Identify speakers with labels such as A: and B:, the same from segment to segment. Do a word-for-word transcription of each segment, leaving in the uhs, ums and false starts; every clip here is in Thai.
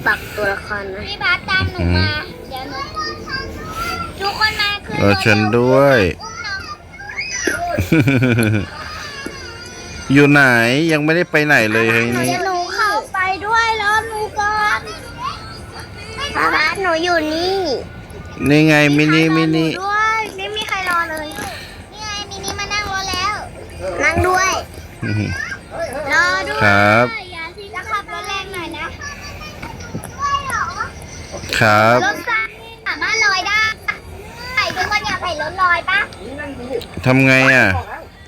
A: ปักตัวละครนะพี่บาสตามหนูมาเดี๋ยวหนูทุกคนมาคือ
B: เราฉันด้วย อยู่ไหนยังไม่ได้ไปไหนเลยเฮ้ยนี่
A: หนูเข้าไปด้วยแล้วหนูก่อนป้าบาสหนูอยู่นี่
B: นี่ไงมินิมินิ
A: ด้วยไม่มีใครรอเลยนี่ไงมินิมานั่งรอแล้วนั่งด้วยรอด้วย
B: ครับ
A: อย่าสิจะขับรถแรงหน่อยนะครับ รถไฟสามารถลอยได้ใครทุกคนอยากใส่รถลอยปะ
B: ทำไงอ่ะ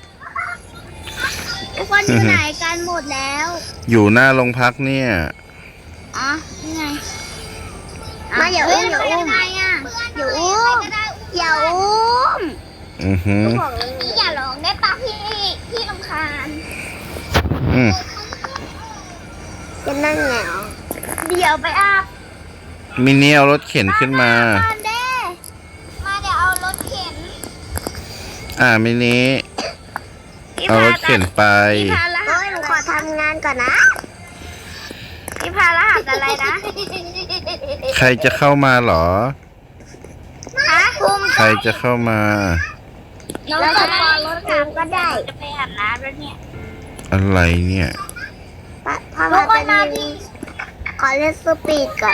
A: ทุกคนอยู่ไหนกันหมดแล้ว
B: อยู่หน้าโรงพักเนี่ย
A: อ๋อนี่ไงมาอย่าอุ้มอย่าอุ้มอย่าอุ้มอย่าอุ้ม
B: อือหือ
A: พี่อย่าร้องได้ปะพี่พี่รำคาญ
B: อืม
A: จะนั่งไงอ๋อเดี๋ยวไปอาบ
B: มินิเอารถเข็นขึ้นมา
A: มาเด้มาเดี๋ยวเอารถเข็น
B: อ่ามินิเอารถเข็นไป
A: พี่พารหัสหนูขอทำงานก่อนนะพี่พารหัสอะไรนะ
B: ใครจะเข้ามาเหรอ
A: ฮะภูมิ
B: ใครจะเข้ามา
A: น้องจะมารถถังก็ได้จะไปอาบน้ำแล้วเนี่ย
B: อะไรเนี่ย
A: ทุกคนมาดีขอเล่นสปีดก่อน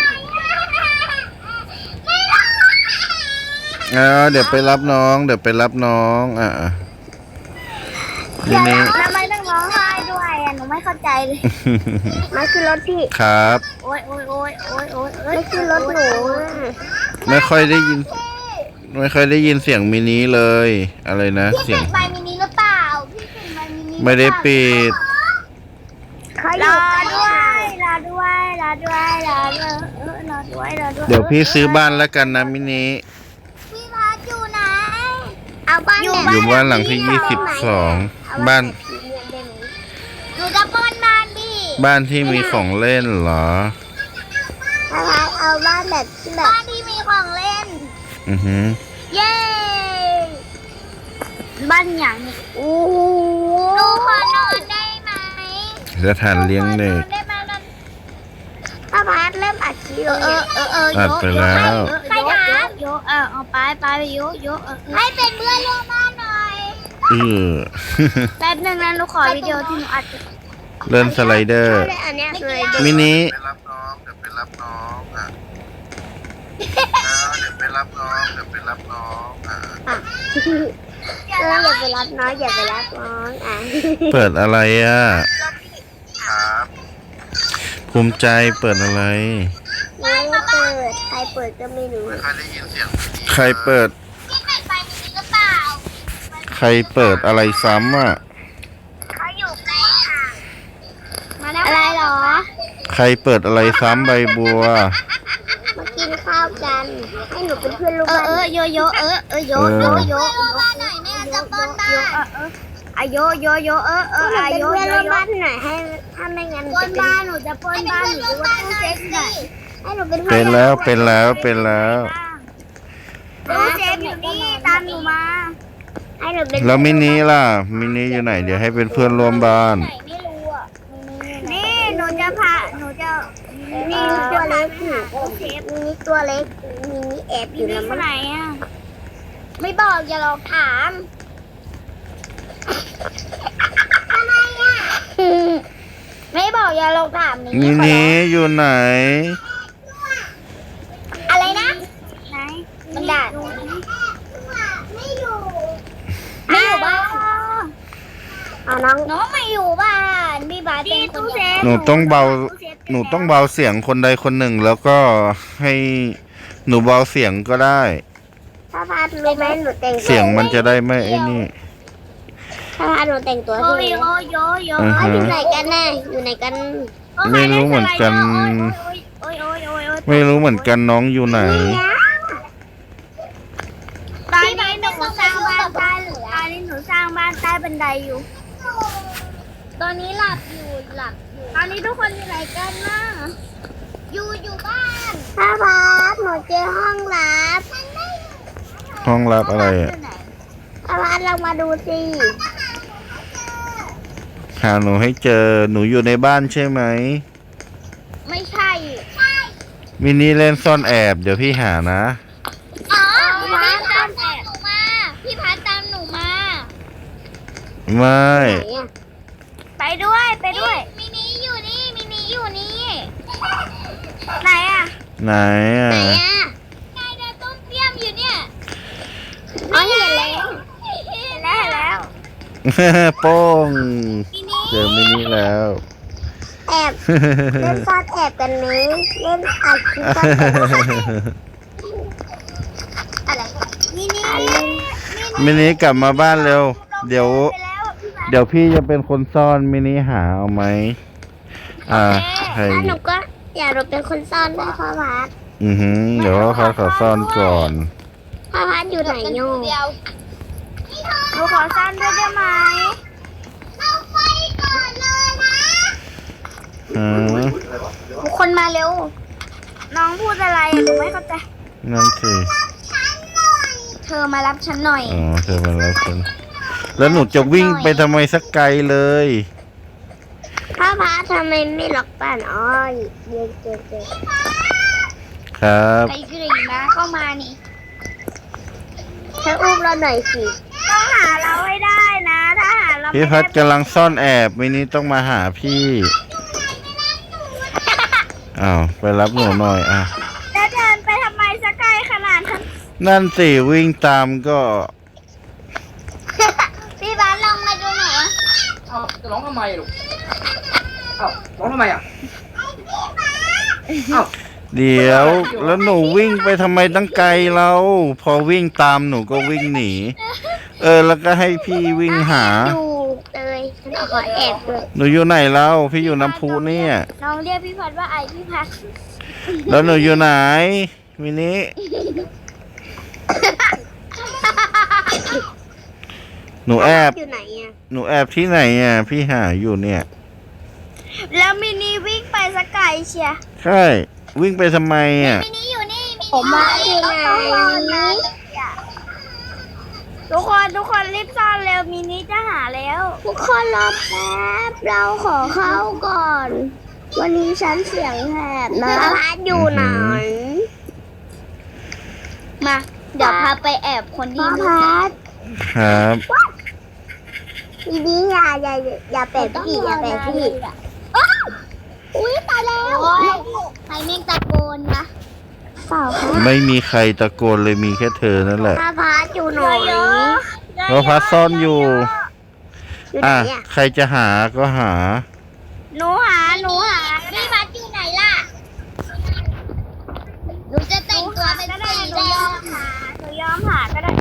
B: อ่าเดี๋ยวไปรับน้อง เดี๋ยวไปรับน้องอ่ะอ่ะมินิ
A: ทำไมต้องร้องไห้ด้วยอ่ะหนูไม่เข้าใจเลยมันคือรถพี่
B: ครับ
A: โอ้ยโอ้ยโอ้ยโอ้ยโอ้ยไม่คือรถหนู
B: ไม่ค่อยได้ยิน ไม่ค่อยได้ยินเสียงมินิเลย อะไรนะ
A: พี่
B: เสีย
A: ปิ
B: ง
A: ดไมค์มินิหรือเปล่าพี่ปิดไมค์มินิ
B: ไม่ได้ปิด
A: เขาอยู่ด้วยรอด้วยรอด้วยรอด้วยเออรอด้วยรอด้วย
B: เดี๋ยวพี่ซื้อบ้านแล้วกันนะมินิ
A: พี่พัดอยู่ไหนเอาบ้าน
B: อยู่บ้านหลังที่ยี่สิบสองบ้าน
A: หนูจะป้อนบ้านพี่
B: บ้านที่มีของเล่นเหรอ
A: พี่พัดเอาบ้านแบบที่แบบบ้านที่มีของเล่น
B: อือหือ
A: เย้บ้านอย่างนี้โอ้โหหนูขอนอนได้ไหม
B: สถานเลี้ยงเด็ก
A: ป้าพัดเริ่มอัดคลิปเออเออเออ
B: อัดไปแล้ว
A: ใครถามโยเออเอาไปไปโยโยให้เป็นเพื่อนร่วมบ้านหน่อย
B: เออ
A: แป๊บนึงนะหนูขอวิดีโอที่หนูอัด
B: เล่นสไลเดอร์
A: อันนี้คือ
B: มินิ
C: ไปรับน้องเดี๋ยวไปรับน้องอ่ะเดี๋ยวไปรับน้องเดี๋ยวไปรับน้องอ่ะ
A: เอออย่าไปรับน้องอย่าไปรับน้องอ่ะ
B: เปิดอะไรอ่ะ
C: ครับ
B: ภูมิใจเปิดอะไร
A: ไม่เปิดใครเปิดก็ไม่รู้
C: ไม่ค่อยได้ยินเสียงพี่
B: ใครเปิด
A: พี่เปิดไฟมินิหรือเปล่า
B: ใครเปิดอะไรซ้ำอ่ะ
A: เขาอยู่ใกล้ค่ะมาแล้วอะไรหรอ
B: ใครเปิดอะไรซ้ำใบบัว
A: มากินข้าวกันให้หนูเป็นเพื่อนลูกบ้านเออโยโยเออเออโยโยโยบ้านหน่อยแม่จะป้อนบ้านอโยโยโยเออเอออโยโยโยบ้านหน่อยให้ถ้าไม่งั้นป้อนบ้านหนูจะป้อนบ้านหนูว่าตู้เซฟหน่อยให้หนูเป็น
B: เป็นแล้วเป็นแล้วเป็นแล้ว
A: ตู้เซฟอยู่นี่ตามหนูมาให้หนูเป็น
B: แล้วมินิล่ะ มินิอยู่ไหน เดี๋ยวให้เป็นเพื่อนร่วมบ้าน
A: ไม่รู้อ่ะนี่หนูจะพาหนูจะนี่ตัวเล็กอยู่เซฟนี่ตัวเล็กมีนี่แอบอยู่แล้วมั้งไหนอ่ะไม่บอกอย่าหลอกถามทำไมอ่ะไม่บอกอย่าหลอกถาม
B: มินิอยู่ไหน
A: อะไรนะไหนมันด่าไม่อยู่ไม่อยู่บ้านเอาน้องน้องไม่อยู่บ้านพี่บาสเป็นคนเซฟ
B: หนูต้องเบา หนูต้องเบาเสียงคนใดคนหนึ่ง แล้วก็ให้หนูเบาเสียงก็ได้
A: ถ้าพาดรู้ไหมหนูแต่ง
B: เสียงมันจะได้ไม่ไอ้นี่
A: ถ้าพาดหนูแต่งตัวที่นี่โยโยโย
B: อือฮึ
A: อยู่ไหนกันแน่อยู่ไหนกัน
B: ไม่รู้เหมือนกัน
A: โอ้ยโอ้ยโอ้ยโอ้ย
B: ไม่รู้เหมือนกันน้องอยู่ไหน
A: ตอนนี้หนูสร้างบ้านใต้เหลือตอนนี้หนูสร้างบ้านใต้บันไดอยู่ ตอนนี้หลับอยู่หลับอยู่ตอนนี้ทุกคนอยู่ไหนกันนะอยู่อยู่บ้านถ้าพาดหนูเจอห้องลับ
B: ห้องรับอะไรอ่ะ
A: ถ้าพาดเรามาดูสิ
B: หาหนูให้เจอ หนูอยู่ในบ้านใช่ไหม
A: ไม่ใช่ใช่
B: มินิเล่นซ่อนแอบเดี๋ยวพี่หานะ
A: อ๋อพี่พัดตามหนูมาพี่พัดตามหนูมา
B: ไม่
A: ไปด้วยไปด้วยมินิอยู่นี่มินิอยู่นี่ไหนอ่ะ
B: ไหนอ่ะ
A: ไหนอ่ะนายเดินต้มเปี้ยมอยู่เนี่ยอ๋อเห็นแล้วเห็นแล้วเห็นแล้ว
B: โป้ง
A: มินิ
B: เจอมินิแล้ว
A: แอบเล่นซ่อนแอบกันไหมเล่นอัดคลิปซ่อนแอบอะไรมินิ
B: มินิกลับมาบ้านเร็ว เดี๋ยว เดี๋ยวพี่จะเป็นคนซ่อนมินิหาเอาไหมอ่าใคร
A: แล้วหนูก็อยากเราเป็นคนซ่อนด้วยพ่อพัด
B: อือหือเดี๋ยวเขาขอซ่อนก่อน
A: พ่อพัดอยู่ไหนโย่หนูขอซ่อนด้วยได้ไหมเราไปก่อนเลยนะ
B: อืม
A: ทุกคนมาเร็ว น้องพูดอะไรอะหนูไม่เข้าใจ
B: นั่นสิ
A: เธอมารับฉันหน่อย
B: อ๋อเธอมาแล้วฉันแล้วหนูจะวิ่งไปทำไมสักไกลเลย
A: พ่อพัดทำไมไม่ล็อกบ้านอ้อยเย็นเจนเจน
B: ครับ
A: ไปกรีนะเข้ามานี่เธออุ้มเราหน่อยสิต้องหาเราให้ได้นะถ้าหาเรา
B: พี่พัดกำลังซ่อนแอบมินิต้องมาหาพี่อ้าวไปรับหนูหน่อยอ่ะ
A: แล้วเดินไปทำไมสักไกลขนาดนั้น
B: นั่นสิวิ่งตามก็
A: พี่บ้านลองมาดูหน่อย
D: เอาจะร้องทำไมลูกเอาร้องทำไมอ่ะเอา
B: เดี๋ยวแล้วหนูวิ่งไปทำไมตั้งไกลเราพอวิ่งตามหนูก็วิ่งหนี เออแล้วก็ให้พี่วิ่งหา
A: ดูเลยฉันขอแอบด้วย
B: หนูอยู่ไหนแล้วพี่อยู่น้ำพุเนี่ย
A: น้องเรียกพี่พัดว่าไอพี่พัด
B: แล้วหนูอยู่ไหนมินิหนูแอบ
A: อยู่ไหนอ่ะ
B: หนูแอบที่ไหนอ่ะพี่หาอยู่เนี่ย
A: แล้วมินีวิ่งไปสักไกลเชีย
B: ใช่วิ่งไปทำไมอ่ะ
A: มินีอยู่นี่ผมมาอยู่ไหนทุกคนทุกคนรีบซ่อนเร็วมินีจะหาแล้ว ทุกคนรอแป๊บเราขอเข้าก่อน วันนี้ฉันเสียงแหบนะพัดอยู่ไหนมาเดี๋ยวพาไปแอบคนที่พัด
B: ครับ
A: มินีอย่าอย่าอย่าแปะพี่อย่าแปะพี่อุ้ยตายแล้วใครแม่งตะโกนนะเปล่าค่ะ
B: ไม่มีใครตะโกนเลยมีแค่เธอนั่นแหละ
A: พาพัดอยู่หน่อย
B: เพราะพัดซ่อนอยู่
A: อยู่ไหน
B: อ่ะ
A: อ่ะ
B: ใครจะหาก็หา
A: หนูหาหนูหาพี่พัดอยู่ไหนล่ะหนูจะแต่งตัวเป็นสีแดงหาหนูยอมหาก็ได้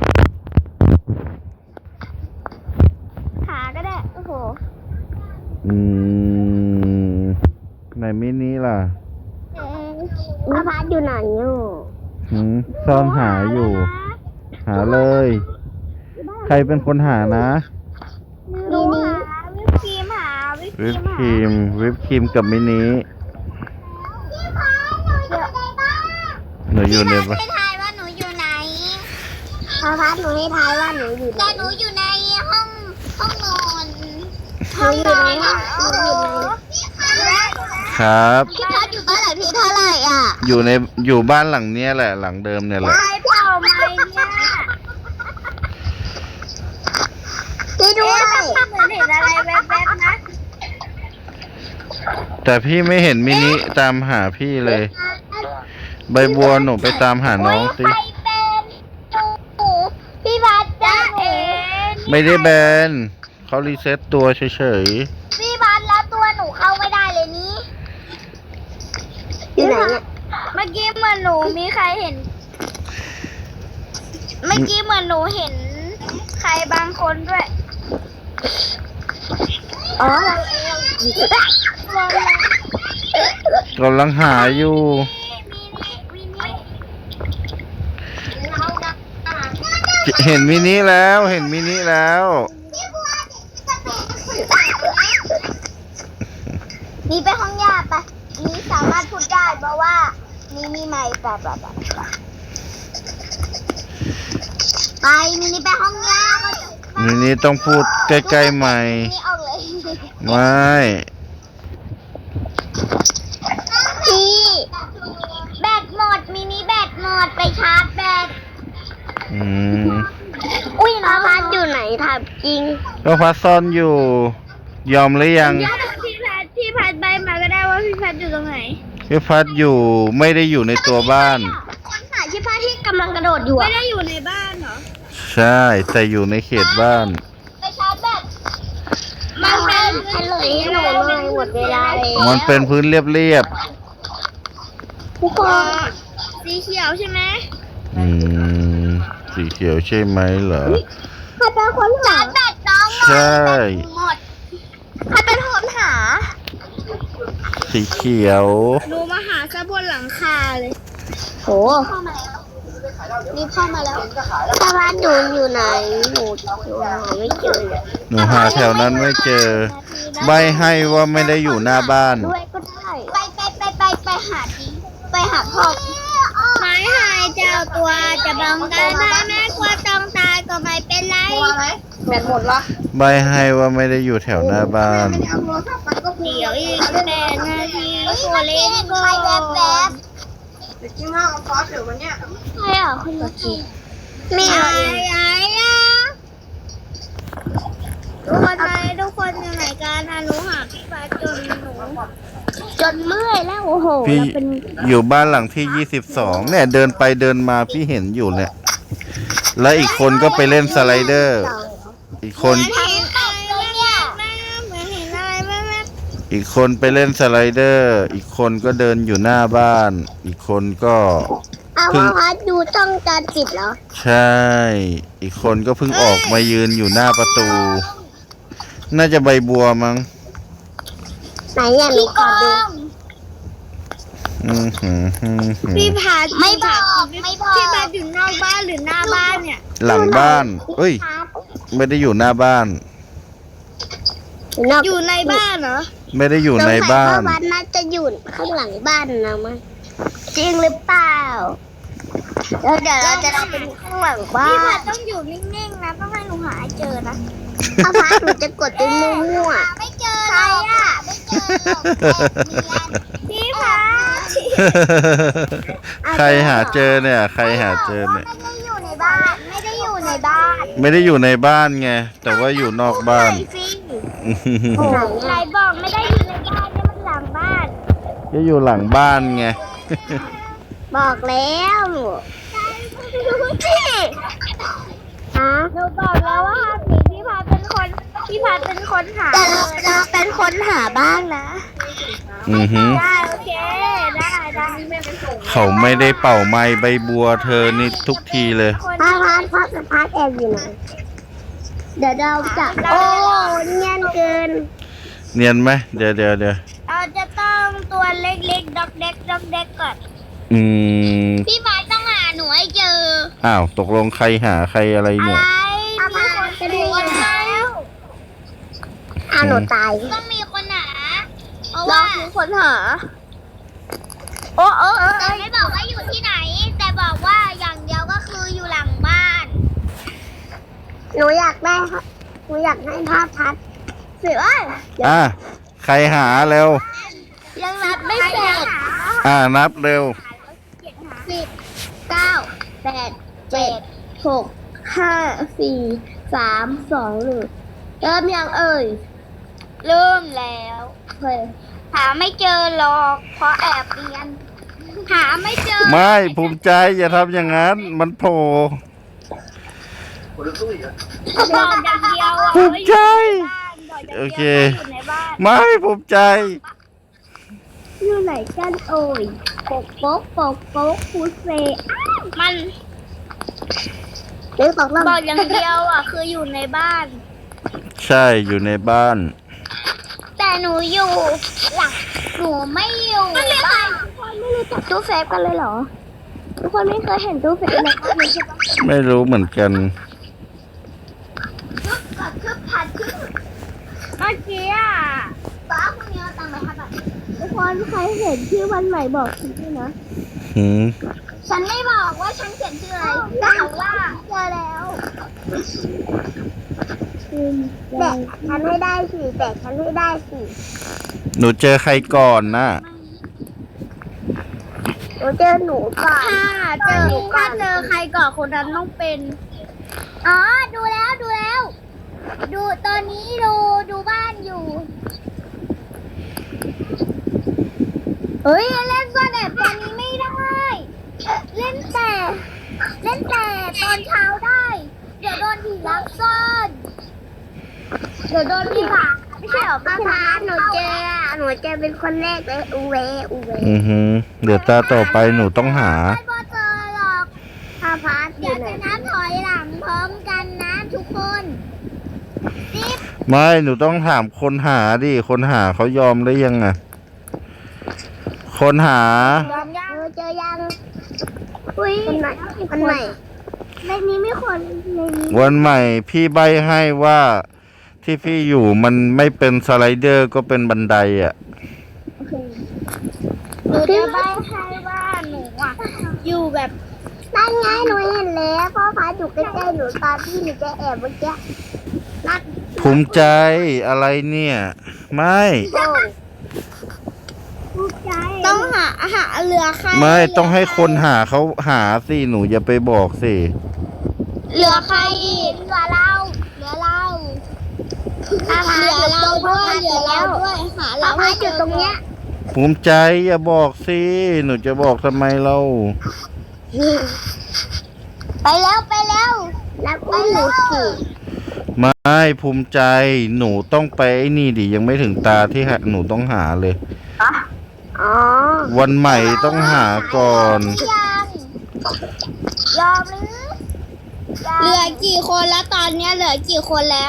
A: หาก็ได้โอ้โห
B: อืมไหนมินิล่ะ
A: พาพัดอยู่ไหนอยู่
B: หืมซ่อนหาอยู่ หาเลย ใครเป็นคนหานะ
A: หนูหาวิปครีมหาวิปครี
B: วิป
A: ม
B: ค
A: หา
B: รีมวิปครีมกับมินิหนูอยู่ใน
A: พี่พั
B: บ้า
A: ด
B: น
A: ให้ทายว่าหนูอยู่ไหนพาพัดหนูให้ทายว่าหนูอยู่ไหนแต่หนูอยู่ในห้องห้องนอนห้องนอนหนูอยู่ไหน
B: ครับ
A: พี่พัดอยู่บ้านไหนพี่เท่าไหร่อ่ะ
B: อยู่ในอยู่บ้านหลังเนี้ยแหละหลังเดิมเนี่ยแหละ
A: ตายเปล่าไหมเนี่ยพี่ด้วยเหมือนเห็นอะไรแวบๆนะ
B: แต่พี่ไม่เห็นมินิตามหาพี่เลย ใบบัวหนูไปตามหาน้องสิ
A: ใครเป็นหนูพี่พัดจ้าเอง
B: ไม่ได้แบนเขารีเซ็ตตัวเฉย
A: พี่พัดแล้วตัวหนูเข้าไม่ได้เลยนี้อยู่ไหนเนี่ยเมื่อกี้เหมือนหนูมีใครเห็น เมื่อกี้เหมือนหนูเห็นใครบางคนด้วย อ๋อเราเอง
B: ๆกำลังหาอยู่ เห็นมินิแล้วเห็นมินิแล้ว
A: มีไปห้องยาปะมีสามารถพูดได้เพราะว่ามีมีไมค์แบบแบบแบบไปมินิไปห้องยาเขาจะ
B: มินิต้องพูดใกล้ๆใหม่
A: นี่ออกเลย
B: ไม่
A: พี่แบ
B: อืม
A: อุ้ยน้องพัดอยู่ไหนถามจริง
B: ก็พัดซ่อนอยู่ ยอมหรือยัง
A: พี่พัดพี่พัดใบมาก็ได้ว่าพี่พัดอยู่ตรงไหน
B: พี่พัดอยู่ไม่ได้อยู่ในตัวบ้าน
A: คนถ่ายพี่พัดที่กำลังกระโดดอยู่ไม่ได้อยู่ในบ้านเหรอ
B: ใช่แต่อยู่ในเขตบ้าน
A: ไปชาร์จแบตมันเป็นเฉลยให้หนูหน่อยหมดเวลาเลย
B: มันเป็นพื้นเรียบ
A: ทุกคนสีเขียวใช่ไหม
B: ๆอืมสีเขียวใช่ไหมเหรอ
A: ใครเป็นคนหาแบตน้อง
B: ใช่
A: หมดใครเป็นคนหา
B: สีเขียว
A: หนูมาหาซะบนหลังคาเลยโหนี่พ่อมาแล้วตาบ้านหนูอยู่ไหนหนูหนูหาไม่เจอ
B: หนูหาแถวนั้นไม่เจอ ใบให้ว่าไม่ได้อยู่หน้าบ้าน
A: ด้วยก็ได้ไปไปไปไปไปหาดิไปหาพ่อไม้หายเจ้าตัวจะบังกันได้แม่กลัวต้องตายก็ไม่เป็นไร
D: ตัวไหมแบตหมดละ
B: ใบให้ว่าไม่ได้อยู่แถวหน้าบ้าน
D: ไม่ได้เอาโทรศัพท์มันก็
A: เดี๋ยวอีกแปดนาทีโคเล่นก็ใครแวบแวบ
D: เด็กจิ้งห้าเอาซอสเดี๋ยววันเนี้ย
A: ใครอ่ะคุณลูกกี้ไม่เอาไอ้อะทุกคนไหนทุกคนอยู่ไหนกันนะหนูหาพี่ฟ้าจนหนูจนเมื่อยแล้วโอ้โห
B: พี่
A: เราเป็น
B: อยู่บ้านหลังที่ยี่สิบสองเนี่ยเดินไปเดินมาพี่เห็นอยู่เนี่ย แล้วอีกคนก็ไปเล่นสไลเดอร์ อีกคน
A: เห็นอะไรเนี่ยเหมือนเห็นอะไรแม่แม่
B: อีกคนไปเล่นสไลเดอร์ อีกคนก็เดินอยู่หน้าบ้าน อีกคนก็
A: เอา
B: เพิ่ง
A: พัดดูจ้องจานปิดเหรอ
B: ใช่ อีกคนก็เพิ่งออกมายืนอยู่หน้าประตู น่าจะใบบัวมั้ง
A: ไหนอ่ะหนูขอดู
B: อือหือหือหือ
A: พี่พัดไม่บอกไม่บอกพี่พัดอยู่นอกบ้านหรือหน้าบ้านเนี่ย
B: หลังบ้านเอ้ย ไม่ได้อยู่หน้าบ้าน
A: อยู่ในบ้านเหรอ
B: ไม่ได้อยู่ในบ้าน
A: วัดน่าจะอยู่ข้างหลังบ้านนะมั้งจริงหรือเปล่าแล้วเดี๋ยวเราจะไปดูข้างหลังบ้านพี่พัดต้องอยู่นิ่งๆนะต้องให้หนูหาให้เจอนะถ้าพัดหนูจะกดไปมั่วๆไม่เจอใครอ่ะไม่เจอพี่พัด
B: ใครหาเจอเนี่ย ใครหาเจอเนี่ย
A: ไม่ได้อยู่ในบ้านไม่ได้อยู่ในบ้าน
B: ไม่ได้อยู่ในบ้านไง แต่ว่าอยู่นอกบ้าน
A: ไหนบอกไม่ได้อยู่ในบ้านนี่มันหลังบ้าน
B: ก็อยู่หลังบ้านไง
A: บอกแล้วพี่ฮะหนูบอกแล้วว่าสีพี่พัดเป็นคนพี่พัดเป็นคนหาแต่เราเป็นคนหาบ้างนะ
B: อือหือ
A: ได้โอเคได้ได้
B: เขาไม่ได้เป่าไม้ใบบัวเธอนี่ทุกทีเลย
A: พัดพัดพัดพัดแอบอยู่ไหนเดี๋ยวเราจะโอ้เนียนเกิน
B: เนียนไหมเดี๋ยวเดี๋ยวเดี๋ยว
A: เราจะต้องตัวเล็กๆด็อกเด็กด็อกเด็กก่อน
B: อืม
A: พี่พัดต้องหาหนูให้เจอ
B: อ้าวตกลงใครหาใครอะไร
A: อะไร
B: เนี่ย
A: มีคนจะดูแล้วอ้าวหนูตายต้องมีคนหาเพราะว่ามีคนหาโอ้เออแต่ไม่บอกว่าอยู่ที่ไหน แต่บอกว่าอย่างเดียวก็คืออยู่หลังบ้าน หนูอยากได้ครับหนูอยากให้ภาพทัดเสือ
B: อ่ะใครหาเร็ว
A: ยังนับไม่เสร็จ
B: อ่านับเร็ว
A: สิบเก้าแปดเจ็ดหกห้าสี่สามสองหนึ่งเริ่มยังเอ่ยเริ่มแล้วเฮ้ยหาไม่เจอหรอกเพราะแอบเรียนหาไม่เจอ
B: ไม่ภูมิใจอย่าทำอย่างนั้น มันโผล่
D: คนละตู้อีกอ่ะ
A: บอกอย่างเดียวอ่ะ
B: ภูมิใจ
A: บอกอย่างดียว
B: โอเค
A: อยู่ในบ้าน
B: ไม่ภูมิใจ
A: อยู่ไหนกันเอ่ยปกโป๊กปกโป๊กฟูเซมันเรื่องบอกบอกอย่างเดียวอ่ะคืออยู่ในบ้าน
B: ใช่อยู่ในบ้าน
A: แต่หนูอยู่หลังหนูไม่อยู่บ้านทุกคนไม่รู้จักตู้เซฟกันเลยเหรอทุกคนไม่เคยเห็นตู้เซฟในบ้านเลยใช่ปะ
B: ไม่รู้เหมือนกัน
A: คึบกับคึบผัดคึบเมื่อกี้อ่ะป้าคนนี้เอาตังค์ไปห้าบาททุกคนใครเห็นชื่อวันใหม่บอกฉันด้วยนะ
B: หืม
A: ฉันไม่บอกว่าฉันเขียนชื่ออะไรแต่ว่าเจอแล้วแต่ฉันให้ได้สิแต่ฉันให้ได้สิ
B: หนูเจอใครก่อนนะ
A: หหนูเจอหนูก่อนถ้าเจอถ้าเจอใครก่อนคนนั้นต้องเป็นอ๋อดูแล้วดูแล้ว ดูตอนนี้ดูดูบ้านอยู่เฮ้ยเล่นซ่อนแอบตอนนี้ไม่ได้เล่นแต่เล่นแต่ตอนเช้าได้เดี๋ยวโดนผีลักซ่อนเดี๋ยวโดนผีผ่าไม่ใช่หรอป้าพาหนูเจอหนูเจอเป็นคนแรกเลยอูเวอูเว
B: อือฮึเดี๋ยวตาต่อไปหนูต้องหา
A: ไม่พอเจอหรอกพาพาเดี๋ยวจะนับถอยหลังพร้อมกันนะทุกคนสิบ
B: ไม่หนูต้องถามคนหาดิคนหาเขายอมได้ยังอะคนหา
A: ยอมยังเจอยังอุ้ยคนใหม่คนใหม่ในนี้ไม่คนในนี้
B: วันใหม่พี่ใบให้ว่าที่พี่อยู่มันไม่เป็นสไลเดอร์ก็เป็นบันไดอ่ะ
A: หนูจะใบ้ให้ว่าหนูอ่ะอยู่แบบนั่นไงหนูเห็นแล้วพ่อพาอยู่ใกล้ๆหนูตอนที่หนูจะแอบเมื่อกี้นั่น
B: ภูมิใจอะไรเนี่ย ไม่
A: ต้องหาหาเรือใคร
B: ไม่ต้องให้คนหาเขาหาสิหนูอย่าไปบอกสิ
A: เรือใครอีกเรือเราเรือเราเหลือเราด้วยเหลือเราด้วยหาเราให้อยู่ตรงเนี้ย
B: ภูมิใจอย่าบอกสิหนูจะบอกทำไมเรา
A: ไปแล้วไปแล้วแล้วไปแล้วสิ
B: ไม่ภูมิใจหนูต้องไปไอ้นี่ดิยังไม่ถึงตาที่หาหนูต้องหาเลย
A: อ๋อ
B: วันใหม่ต้องหาก่อน
A: ยังยอมหรือเหลือกี่คนแล้วตอนเนี้ยเหลือกี่คนแล้ว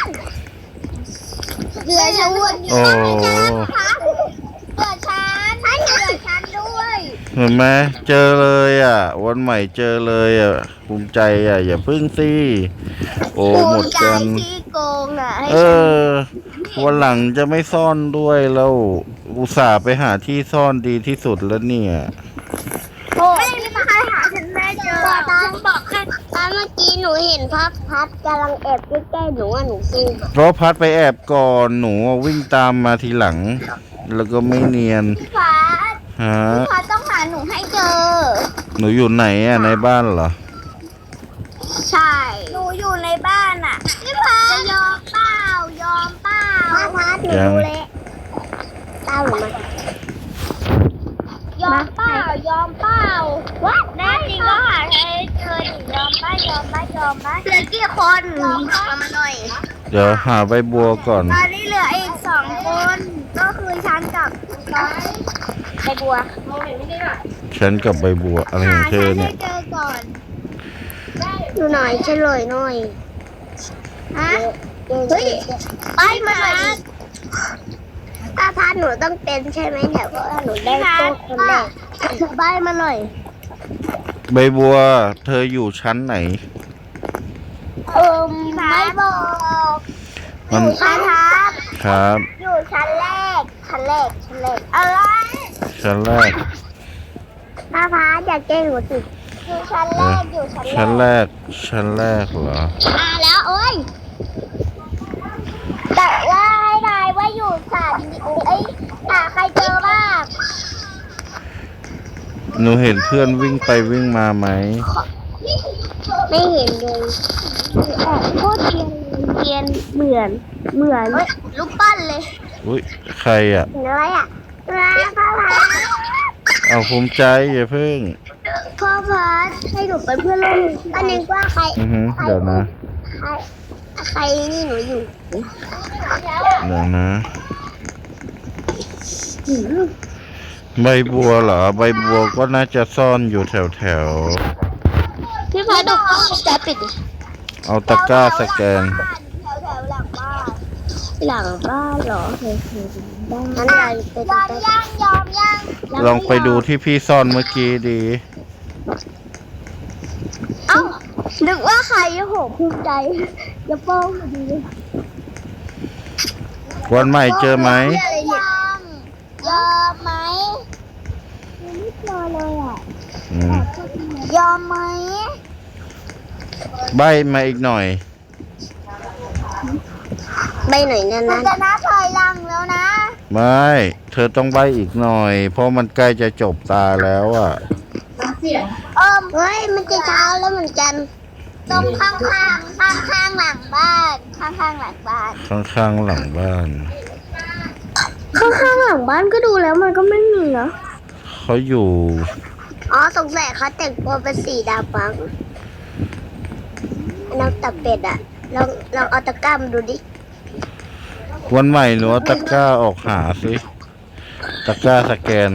A: เหลือชวนอยู่
B: โอ้
A: เหลือฉันให้เหลือฉันด้วย
B: เห็นไหมเจอเลยอ่ะ วันใหม่เจอเลยอ่ะภูมิใจอ่ะ อย่าพึ่งสิโอ้หมดกัน
A: ที่โกงอ่ะให้
B: เออ วันหลังจะไม่ซ่อนด้วยแล้วอุตส่าห์ไปหาที่ซ่อนดีที่สุดแล้วเนี่ย
A: โอ้ไม่มีใครหาฉันไม่เจอตอนบอกแค่ตอนเมื่อกี้หนูเห็นพัดพัดกำลังแอบใกล้ๆหนูอ่ะหนูกลัว
B: เพราะพัดไปแอบก่อนหนูวิ่งตามมาทีหลัง แล้วก็ไม่เนียน
A: พี่พัด
B: ฮะ
A: พี่พัดต้องหาหนูให้เจอ
B: หนูอยู่ไหนอ่ะในบ้านเหรอ
A: ใช่ หนูอยู่ในบ้านอ่ะพี่พัดยอมเปล่ายอมเปล่าพัดพัดหนู
B: ยัง
A: รู้แล้วเต้าหรือมายอมเปล่ายอมเปล่าวัดแน่จริงก็หาให้เจอดิยอมป้ายอมป้ายอมป้าเหลือกี่คนเอามาหน่อย
B: เดี๋ยวหาใบบัวก่อน
A: ตอนนี้เหลืออีกสองคน ก็คือฉันกับน้อยใบบัว
B: ฉันกับใบบัวอะไรของเธอเนี่ย
A: เจอก่อนดูหน่อยเฉลยหน่อยฮะเฮ้ยไปมาถ้าพาหนูต้องเป็นใช่ไหมเนี่ยเพราะว่าหนูได้ตัวคนแรกใบมาหน่อย
B: ใบบัว เธออยู่ชั้นไหน
A: เออไม่บอกอ
B: มัน
A: ยู่ชั้นครับ
B: ครับ
A: อยู่ชั้นแรกชั้นแรกชั้นแรกอะไร
B: ชั้นแรก
A: ถ้าพาอย่าแกล้งหนูสิอยู่ชั้นแรกอยู่ชั้นแร
B: ชั้น
A: ก
B: แรก ชั้นแรกเหรอ
A: มาแล้วโอ้ยแต่ว่าให้นายว่าอยู่สามเอ้ยหาใครเจอบ้าง
B: หนูเห็นเพื่อนวิ่งไปวิ่งมาไหม
A: ไม่เห็นเลยแอบโคตรเทียนเทียนเหมือนเหมือนลูกปั้นเลย
B: อุ้ยใครอ่ะ
A: เห็นอะไรอ่ะมาพ่อพา
B: เอาภูมิใจอย่าเพิ่ง
A: พ่อพาให้หนูเป็นเพื่อนร่วมตอนนี้ว่าใคร
B: อือฮึเดี๋ยวนะ
A: ใครใครนี่หนูอยู่
B: เดี๋ยวนะ ใบบัวเหรอ ใบบัวก็น่าจะซ่อนอยู่แถวแถว
A: พี่พาดูกล้องจะปิดดิ
B: ๆเอาตะกร้าสแกน
A: แถวแถวหลังบ้านหลังบ้านเหรอเฮ้ยบ้านนั้นอะไรยอมยังยอมยัง
B: ลองไปดูที่พี่ซ่อนเมื่อกี้ดี
A: เอ้านึกว่าใครโหภูมิใจจะโป้งดี
B: วันใหม่เจอไหม
A: ยอมยอมไหมไม่เจอเลยอ่ะ
B: อืม
A: ยอมไหม
B: ใบมาอีกหน่อย
A: ใบหน่อยนั่นนะจะนับถอยหลังแล้วนะ
B: ใไม่ เธอต้องใบอีกหน่อย เพราะมันใกล้จะจบตาแล้วอ่ะ
A: เออเฮ้ยมันจะเช้าแล้วเหมือนกันตรงข้างข้างข้างข้างๆหลังบ้าน ข้างข้างๆหลังบ้าน
B: ข้างๆหลังบ้าน
A: ข้างข้างๆหลังบ้านก็ดูแล้วมันก็ไม่มีนะ
B: เขาอยู่
A: อ๋อสงสัยเขาแต่งตัวเป็นสีดำมั้งน้องตับเป็ดอะลองลองเอาตะกร้ามาดูดิ
B: วันใหม่หนูเอาตะกร้าออกหาสิ ตะกร้าสแกน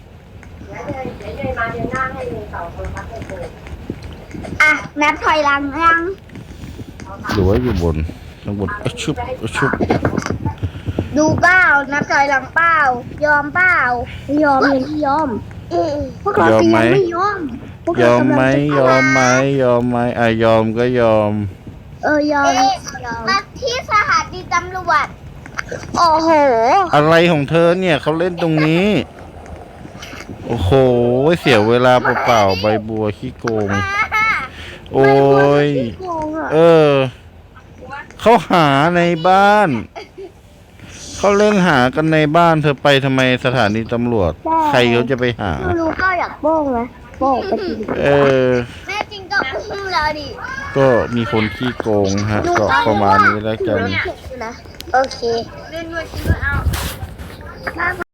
A: อ่ะนับถอยหลังยัง
B: หรือว่าอยู่บนข้างบนอะชุบอะชุบ
A: ดูเปล่านับถอยหลังเปล่ายอมเปล่ายอมยังไม่ยอมพวกเรา
B: ยอม
A: ก็
B: ไหม
A: ยังไม่ยอมพวก
B: ย
A: เรา
B: อมไหม
A: กำลังจะ
B: ยอมไหมยอมไหมอ่ะยอมก็ยอม
A: เออยอมมาที่สถานีตำรวจโอ้โห
B: อะไรของเธอเนี่ยเขาเล่นตรงนี้ โอ้โห เสียเวลาเปล่าๆใบบัวขี้โกง โอ้ย
A: โกงอ่ะ
B: เออ เขาหาในบ้าน เขาเล่นหากันในบ้านเธอไปทำไมสถานีตำรวจ ใครเขาจะไปหา
A: ไม่รู้ก็อยากโป้งนะโป้งไปที
B: เออ
A: แม่จริงก็อุ้มเราดิ
B: ก็มีคนขี้โกงฮะ ก็ประมาณนี้แล้วกัน
A: โอเคเล่นด้วยจริงก็เอา